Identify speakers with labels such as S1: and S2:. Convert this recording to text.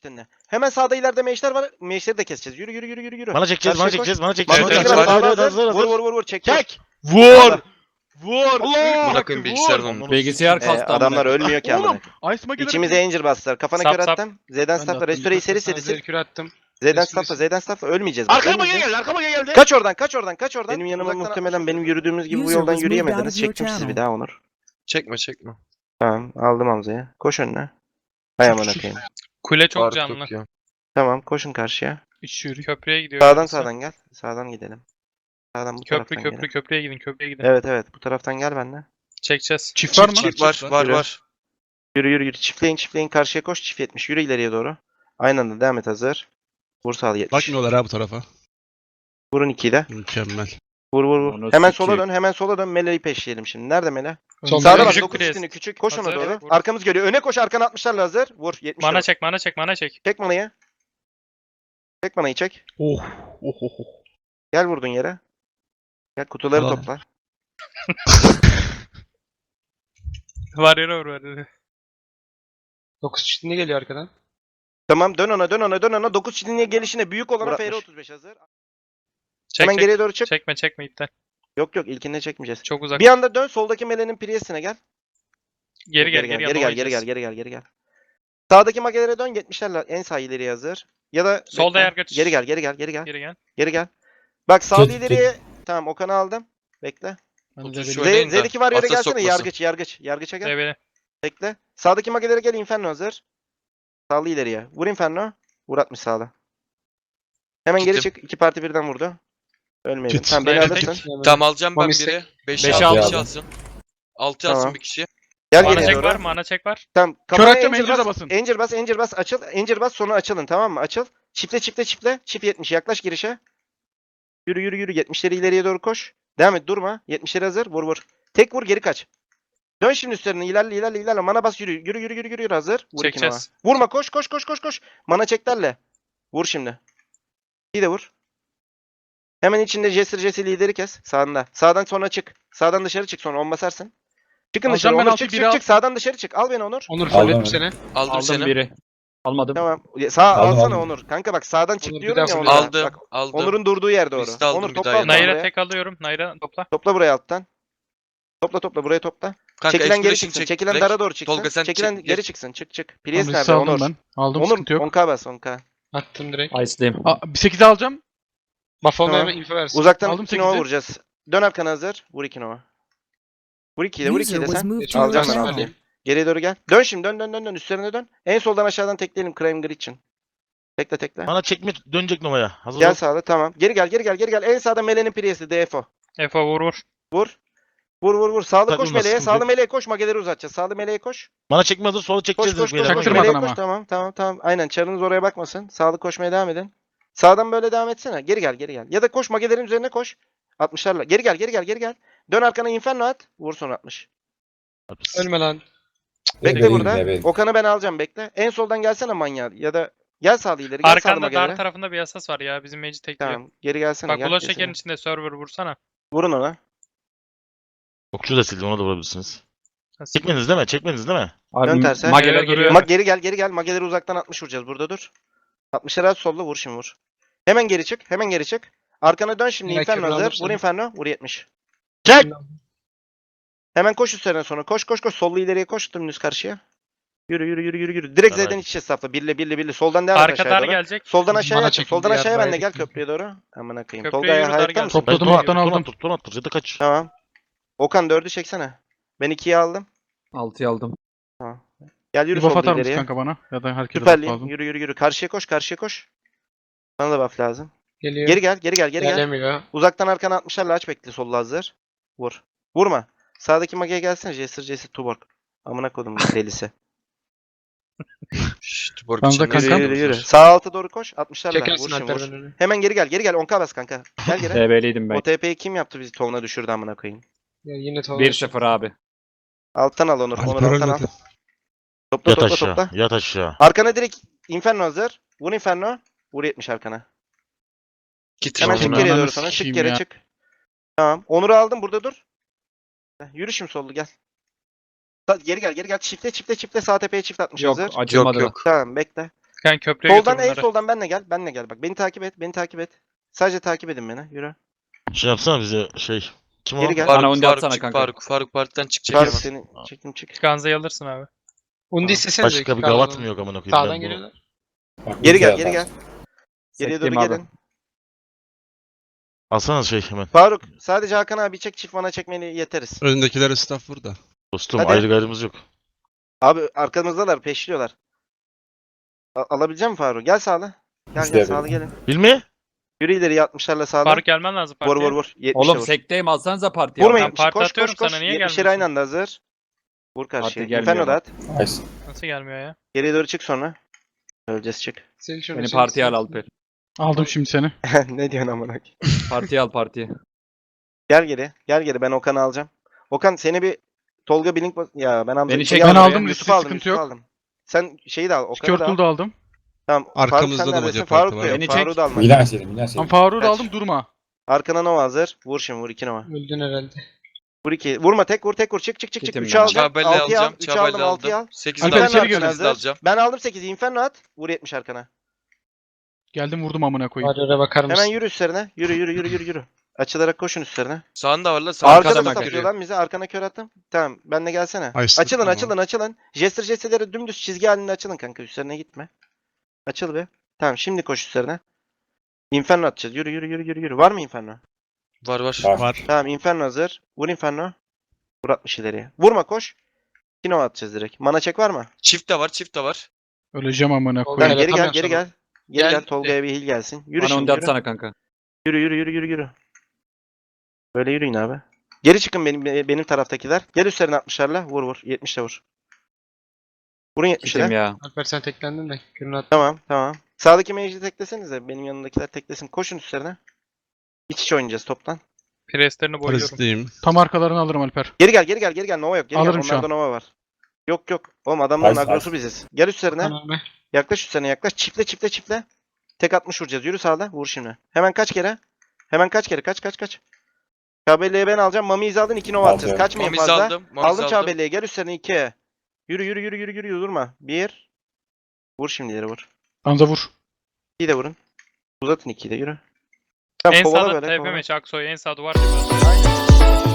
S1: çiftenle. Hemen sağda ileride meşler var. Meşleri de keseceğiz. Yürü yürü yürü yürü yürü.
S2: Bana çekeceğiz,
S1: Karşıya
S2: bana
S1: koş.
S2: çekeceğiz, bana
S1: Bak,
S2: çekeceğiz.
S1: evet,
S3: Evet,
S1: sağda
S3: evet,
S1: hazır.
S2: hazır.
S1: Vur çek.
S2: Çek.
S3: Vur! Vur!
S2: Allah!
S3: Bırakın bilgisayardan onu.
S4: Bilgisayar kastı amına
S1: Adamlar
S4: koyayım.
S1: ölmüyor ki amına.
S3: Ice Mage'leri
S1: İçimize Angel bastılar. Kafana
S5: Sap,
S1: kör
S5: sap.
S1: attım. Z'den
S3: Ben de
S1: staffla.
S3: attım,
S1: Restore'yi
S3: dikkat
S1: seri seri.
S5: Zerkür attım.
S1: Z'den
S5: Restore
S1: staffla. Z'den staffla. Ölmeyeceğiz. bak,
S2: Arkama
S1: ölmeyeceğiz.
S2: geldi, arkama geldi.
S1: Kaç oradan, kaç oradan, kaç oradan. Benim yanıma muhtemelen benim yürüdüğümüz gibi bu
S6: User
S1: yoldan
S6: was moved out
S1: yürüyemediniz.
S6: of your
S1: Çektim sizi
S6: channel.
S1: bir daha Onur.
S3: Çekme.
S1: Tamam, aldım Hamza'yı. Koş önüne. Hay amına koyayım.
S5: Kule çok
S3: Fark
S5: canlı.
S3: yok ya.
S1: Tamam, koşun karşıya.
S5: Köprüye gidiyor.
S1: Sağdan
S5: yarısı.
S1: sağdan gel. Sağdan gidelim. Sağdan bu
S5: Köprü
S1: taraftan gidelim.
S5: köprüye gidin köprüye gidin.
S1: Evet evet, bu taraftan gel benimle.
S5: Çekeceğiz.
S3: Çift var mı?
S4: Çift
S3: Var.
S1: Yürü yürü yürü. Çiftleyin karşıya koş. Çift 70. Yürü ileriye doğru. Aynı anda devam et hazır. Vur sağlı 70.
S7: Bakmıyorlar ha bu tarafa.
S1: Vurun 2'yi de.
S7: Mükemmel.
S1: Vur.
S4: Onu
S1: Hemen
S4: sikeyim.
S1: sola dön. Mele'yi peşleyelim şimdi. Nerede Mele?
S5: Solda
S1: Sağda bak.
S5: küçük
S1: 9
S5: pres.
S1: çiftini küçük. Koş ona
S5: Hazır,
S1: doğru.
S5: vur.
S1: Arkamız geliyor. Öne koş. Arkana 60'larla hazır. Vur. 70.
S5: Mana çek.
S1: Çek manayı. Çek manayı çek.
S7: Oh.
S1: Gel vurdun yere. Gel kutuları
S7: Aa.
S1: topla.
S5: Var yere.
S8: 9 çiftliğine geliyor arkadan.
S1: Tamam dön ona. 9 çiftliğe gelişine büyük olana Vur FR35 hazır.
S5: Çek
S1: Hemen
S5: çek.
S1: geriye doğru çık.
S5: Çekme iptal.
S1: Yok ilkinde çekmeyeceğiz.
S5: Çok uzak.
S1: Bir anda dön. Soldaki Mele'nin Priest'ine gel.
S5: Geri gel.
S1: Sağdaki magelere dön 70'lerle en sağ ileriye hazır. Ya da
S5: Solda
S1: bekle.
S5: yargıç.
S1: Geri gel.
S5: Geri gel.
S1: Bak sağ
S7: Tut.
S1: ileriye. Tamam Okan'ı aldım. Bekle.
S3: Ben de
S5: Şu
S3: böyle-
S5: oynayın da.
S1: Z'deki var yere
S3: Atla
S1: gelsene.
S3: sokmasın.
S1: Yargıça gel.
S5: Evet.
S1: Bekle. Sağdaki magelere gel Inferno hazır. Sağlı ileriye. Vur Inferno. Vur 60 sağda. Hemen geri
S3: Gittim.
S1: çık. 2 parti birden vurdu. Ölmeyelim.
S7: Git.
S1: Tamam beni
S5: Evet,
S1: alırsın.
S3: Tamam alacağım ben
S8: Mamistek.
S3: biri. 5
S4: Beşi
S3: 6
S4: aldım.
S3: kişi alsın. 6
S1: Tamam.
S3: alsın bir kişi.
S1: Gel
S5: Mana
S1: geriye
S5: çek
S1: doğru.
S5: var. Mana çek var.
S1: Tamam.
S3: Kör
S1: Kafana
S3: atacağım,
S1: Angel
S3: Angel'a
S1: bas.
S3: basın.
S1: Angel bas. Açıl. Angel bas sonra açılın tamam mı? Açıl. Çiftle. Çift 70 yaklaş girişe. Yürü 70'leri ileriye doğru koş. Devam et durma. 70'leri hazır. Vur. Tek vur geri kaç. Dön şimdi üstlerine ilerle. Mana bas yürü hazır. Vur ikine
S5: Çekeceğiz.
S1: ona. Vurma koş. Mana çeklerle. Vur şimdi. Bir de vur. Hemen içinde Jesse lideri kes. Sağında. Sağdan sonra çık. Sağdan dışarı çık sonra on basarsın. Çıkın
S3: Alacağım
S1: dışarı.
S3: ben
S1: Onur
S3: altı,
S1: çık
S3: biri al.
S1: çık. Sağdan dışarı çık. Al beni Onur.
S8: Onur
S4: Aldım.
S8: fulledim seni.
S3: Aldım
S4: Aldım
S3: seni.
S4: biri. Almadım.
S1: Tamam. Sağ
S7: Aldım,
S1: alsana
S7: aldım.
S1: Onur. Kanka bak sağdan çık
S8: Onur, bir
S1: diyorum
S8: daha
S1: ya
S8: fulledim.
S1: Onur'a.
S3: Aldım.
S1: Bak
S3: Aldım.
S1: Onur'un durduğu yer doğru.
S3: Liste aldım,
S1: Onur
S3: bir
S1: topla
S3: daha
S1: alttan
S3: aldım.
S5: Nayra
S1: buraya.
S5: tek alıyorum. Nayra topla.
S1: Topla buraya alttan. Topla buraya topla.
S3: Kanka
S1: Çekilen geri
S3: Exploration
S1: çıksın.
S3: çek
S1: Çekilen
S3: direkt.
S1: dara doğru çıksın.
S3: Tolga sen
S1: Çekilen
S3: çek,
S1: geri
S3: gir.
S1: çıksın. Çık.
S3: Tamam,
S1: Priest
S3: liste
S1: nerede
S3: aldım
S1: Onur?
S3: ben. Aldım
S1: Onur
S3: sıkıntı yok.
S1: 10k bas 10k.
S8: Attım direkt.
S4: Ice'dayım.
S3: Bir 8 alacağım.
S8: Buffalo'ya
S1: Tamam.
S8: hemen info versin.
S1: Uzaktan
S3: Aldım
S1: 2 nova
S3: 8'i.
S1: vuracağız. Dön arkana hazır. Vur 2 nova. Vur 2'yi de
S6: User was
S1: sen.
S6: moved to your
S1: Alacağım ben
S6: channel.
S1: altıyı. Geriye doğru gel. Dön şimdi dön. Üstlerine dön. En soldan aşağıdan tekleyelim Crime Grid için. Tekle.
S2: Bana çekme dönecek Nova'ya. Hazır
S1: Gel
S2: ol.
S1: sağda tamam. Geri gel. En sağda Mele'nin Priest'i DFO.
S5: Efo vur.
S1: Vur. Sağlı koş
S2: Takılma,
S1: Mele'ye.
S2: sıkıntı
S1: Sağlı
S2: yok.
S1: Mele'ye koş. Mageleri uzatacağız. Sağlı Mele'ye koş.
S2: Bana çekme hazır, sola çekeceğiz.
S1: Koş.
S2: beyler.
S3: Çaktırmadan
S1: Mele'ye
S3: ama.
S1: koş. Tamam. Aynen çarınız oraya bakmasın. Sağlı koşmaya devam edin. Sağdan böyle devam etsene. Geri gel. Ya da koş Magelerin üzerine koş. 60'larla. Geri gel. Dön arkana Inferno at. Vur son 60.
S8: Ölme lan.
S1: Bekle burada. Okan'ı ben alacağım bekle. En soldan gelsene manyağı. Ya da gel sağlı ileri. Gel sağlı
S5: Arkanda
S1: Magelere.
S5: dar tarafında bir yasas var ya. Bizim meci tekliyor.
S1: Tamam. Geri gelsene.
S5: Bak
S1: gel
S5: Bulo
S1: kesene.
S5: şekerin içinde server vursana.
S1: Vurun ona.
S2: Okçu da sildi, ona da vurabilirsiniz.
S5: Ha,
S2: Çekmediniz değil mi?
S4: Abi
S1: Dön terse.
S4: Mageler
S5: Geri
S4: geliyor.
S1: Geri gel. Mageleri uzaktan 60 vuracağız. Burada dur. 60'lara at solda vur şimdi vur. Hemen geri çık. Arkana dön şimdi
S8: Merak
S1: Inferno
S8: etme,
S1: hazır.
S8: aldım
S1: Vur
S8: seni.
S1: Inferno. Vur 70.
S2: Çek!
S1: Hemen koş üstlerine sonra. Koş. Sollu ileriye koş. Dümdüz karşıya. Yürü. Direkt
S2: Tamam.
S1: Z'den iç içe safla. Birli. Soldan devam et
S5: Arka
S1: aşağıya
S5: dar
S1: doğru.
S5: gelecek.
S1: Soldan aşağıya
S8: Bana
S1: aç.
S8: çekildi,
S1: Soldan aşağıya
S8: yer
S1: ben de gel
S8: verdik.
S1: köprüye doğru. Amına koyayım.
S5: Köprüye
S1: Tolga'ya
S5: yürü, dar
S1: hayır
S5: gel.
S1: mısın?
S3: Topladım
S2: Ton
S3: alttan aldım.
S2: Ton attır. Ya da kaç.
S1: Tamam. Okan 4'ü çeksene. Ben 2'yi aldım.
S4: 6'yı aldım.
S1: Gel
S3: Bir
S1: yürü
S3: buff
S1: solda
S3: atar mısın
S1: ileriye.
S3: kanka bana? Ya da herkese buff
S1: Süperliyim.
S3: lazım.
S1: Yürü. Karşıya koş. Bana da buff lazım.
S8: Geliyor.
S1: Geri gel.
S8: Gelemiyor.
S1: Uzaktan arkana 60'larla aç bekle solda hazır. Vur. Vurma. Sağdaki mageye gelsene. Jester Tuborg. Amına kodum delisi.
S3: Şşt, Borg
S8: Ben de
S3: içinde
S8: kankam.
S1: Yürü. Sağ alta doğru koş. 60'larla.
S8: Çekersin
S1: Vur şimdi
S8: Alper
S1: vur.
S8: önünü.
S1: Hemen geri gel. 10k bas kanka. Gel geri.
S4: TB'liydim ben.
S1: O TP'yi kim yaptı bizi tovuna düşürdü amına koyayım.
S8: Ya yine tamam.
S4: 1-0 abi.
S1: Alttan al Onur.
S7: Alper
S1: Alttan al.
S7: ölmedi.
S1: Topla.
S2: Yat aşağı.
S1: Arkana direkt Inferno hazır. Vur Inferno. Vur 70 arkana.
S3: Git.
S1: Hemen
S3: Tamam,
S1: çık
S3: onu.
S1: geriye
S3: Ananı
S1: doğru sonra. Çık
S3: sikeyim
S1: geri
S3: ya.
S1: çık. Tamam. Onur'u aldım burada dur. Yürü şimdi sollu gel. Geri gel. Çifte sağ tepeye çift atmış
S4: Yok
S1: hazır.
S4: acımadı.
S3: Yok.
S1: Tamam bekle.
S5: Yani köprüye
S1: Soldan
S5: götür
S1: en
S5: bunları.
S1: soldan benle gel. Benle gel bak. Beni takip et. Beni takip et. Sadece takip edin beni. Yürü.
S2: Şey yapsana bize şey. Kim o?
S1: Geri gel.
S4: Bana
S3: Faruk,
S4: undi
S3: Faruk
S4: atsana
S3: çık
S4: kanka.
S3: Faruk. Faruk partiden çık
S1: Faruk
S3: çekemez.
S1: seni çektim çık.
S5: Ganza'yı alırsın abi.
S8: Undi istesenize.
S2: Başka bir gavat mı yok amına koyayım?
S8: Sağdan
S2: Ben bu-
S8: geliyorlar.
S1: Geri gel geri gel. Geriye doğru
S4: Sekteyim abi.
S1: gelin.
S2: Alsana şey hemen.
S1: Faruk sadece Hakan abi çek, çift mana çekmeni yeteriz.
S6: Önündekiler staff burada.
S2: Dostum
S1: Hadi.
S2: ayrı gayrımız yok.
S1: Abi arkamızdalar peşliyorlar. Alabilecek misin Faruk? Gel sağla. Gel gel sağla gelin.
S2: Hilmi?
S1: Yürü ileri 60'larla sağla.
S5: Faruk gelmen lazım
S1: Vur
S5: partiye.
S1: vur vur. 70'e
S4: Oğlum
S1: vur.
S4: sekteyim alsanıza partiye.
S1: Vurmayın.
S5: Ben parti
S1: Koş koş
S5: atıyorum
S1: koş.
S5: sana, niye
S1: 70'ler
S5: gelmiyorsun?
S1: aynı anda hazır. Vur karşıya.
S4: gelmiyor
S1: Inferno da
S4: bak.
S1: at.
S5: Nasıl gelmiyor ya?
S1: Geriye doğru çık sonra. Öleceğiz çık.
S8: Sil şunu,
S4: Beni
S8: sil,
S4: partiye
S8: sil.
S4: al Alper.
S3: Aldım şimdi seni.
S1: Ne diyorsun amına koyayım?
S4: Partiye al partiye.
S1: Gel geri. Gel geri ben Okan'ı alacağım. Okan seni bir Tolga Blink ya ben aldım.
S4: Beni
S1: Şeyi
S4: çek- Ben
S3: aldım,
S1: Yusuf
S3: riski
S1: aldım.
S3: sıkıntı
S1: Yusuf
S3: yok.
S1: aldım. Sen şeyi de al. Okan'ı da al.
S3: Skirtle'u da aldım.
S1: Tamam.
S6: Arkamızda
S1: Faruk
S6: da
S1: sen neredesin?
S6: Hoca
S1: Faruk
S6: parti
S1: da
S6: var.
S1: yok.
S4: Beni
S1: Faruk'u
S4: çek.
S1: da alma.
S7: Milan senin, Milan
S3: Ben
S7: senin.
S3: Faruk'u da
S1: Kaç?
S3: aldım durma.
S1: Arkana Nova hazır. Vur şimdi vur 2 Nova.
S8: Öldün herhalde.
S1: Vur 2. Vurma tek vur tek vur. Çık çık çık çık.
S4: Kitim
S1: 3'ü
S4: ben.
S1: aldım.
S3: Çağbelli
S1: 6'yı al.
S3: alacağım.
S1: 3'ü aldım
S3: Çağbelli
S1: 6'yı al.
S3: aldım. 8'i
S1: Alper
S3: de
S1: içeri
S3: alacağım.
S1: gel.
S3: 8'i de alacağım.
S1: Ben aldım 8'i. Inferno at. Vur 70 arkana.
S3: Geldim vurdum amına koyayım.
S8: Warrior'a bakar mısın?
S1: Hemen yürü üstlerine. Yürü yürü yürü yürü yürü. Açılarak koşun üstlerine.
S3: Sağında var la.
S4: Arkada
S1: Arkada
S4: mı
S1: da
S4: kanka?
S1: satıyor lan bizi. Arkana kör attım. Tamam. Benle gelsene.
S6: Açtım,
S1: Açılın
S6: tamam.
S1: açılın açılın. Jester'leri dümdüz çizgi halinde açılın kanka. Üstlerine gitme. Açıl be. Tamam şimdi koş üstlerine. Inferno atacağız. Yürü yürü yürü yürü yürü. Var mı Inferno?
S3: Var var.
S6: Var.
S1: Tamam Inferno hazır. Vur Inferno. Vur 60 ileriye. Vurma koş. Kino atacağız direkt. Mana çek var mı?
S3: Çift de var. Çift de var.
S5: Öleceğim amına
S8: Tamam,
S1: Tamam,
S5: koyayım.
S1: geri gel
S8: atamıyorum
S1: geri
S8: sana.
S1: gel. Geri
S8: Gel.
S1: gel. Tolga'ya bir heal gelsin. Yürü
S4: Bana
S1: şimdi
S4: undi
S1: yürü.
S4: atsana kanka.
S1: Yürü yürü yürü yürü yürü. Böyle yürüyün abi. Geri çıkın benim taraftakiler. Gel üstlerine 60'larla. Vur vur. 70'le vur. Vurun
S4: Kitim
S1: 70'le.
S4: ya.
S8: Alper sen teklendin de. Kürünü at.
S1: Tamam tamam. Sağdaki mage'i teklesenize. Benim yanındakiler teklesin. Koşun üstlerine. İç içe oynayacağız toptan.
S5: Preslerini boyuyorum.
S6: Parazitiyim.
S3: Tam arkalarını alırım Alper.
S1: Geri gel geri gel geri gel. Nova yok. Geri
S3: Alırım
S1: gel.
S3: şu an.
S1: Onlarda Nova var. Yok yok. Oğlum adamların
S7: Nice,
S1: agrosu biziz. Gel üstlerine.
S8: Tamam be.
S1: Yaklaş üstlerine yaklaş. Çiftle çiftle çiftle. Tek 60 vuracağız. Yürü sağda. Vur şimdi. Hemen kaç kere? Hemen kaç kere? Kaç kaç kaç. Çağbelle'ye ben alacağım. Mami aldın 2 Nova atacağız.
S7: Aldım.
S1: Kaçmayın
S3: Mamiz
S1: fazla.
S3: aldım. Mamiz
S1: Aldım
S3: aldım.
S1: Çağbelle'ye. Gel üstlerine 2. Yürü yürü yürü yürü yürü durma. 1. Vur şimdi yere vur.
S3: Ganza vur.
S1: 2'yi de vurun. Uzatın 2'yi de yürü. Tamam
S5: En
S1: kovala
S5: sağda
S1: böyle
S5: TP
S1: kovala.
S5: meç Aksoy. En sağ duvar tepe.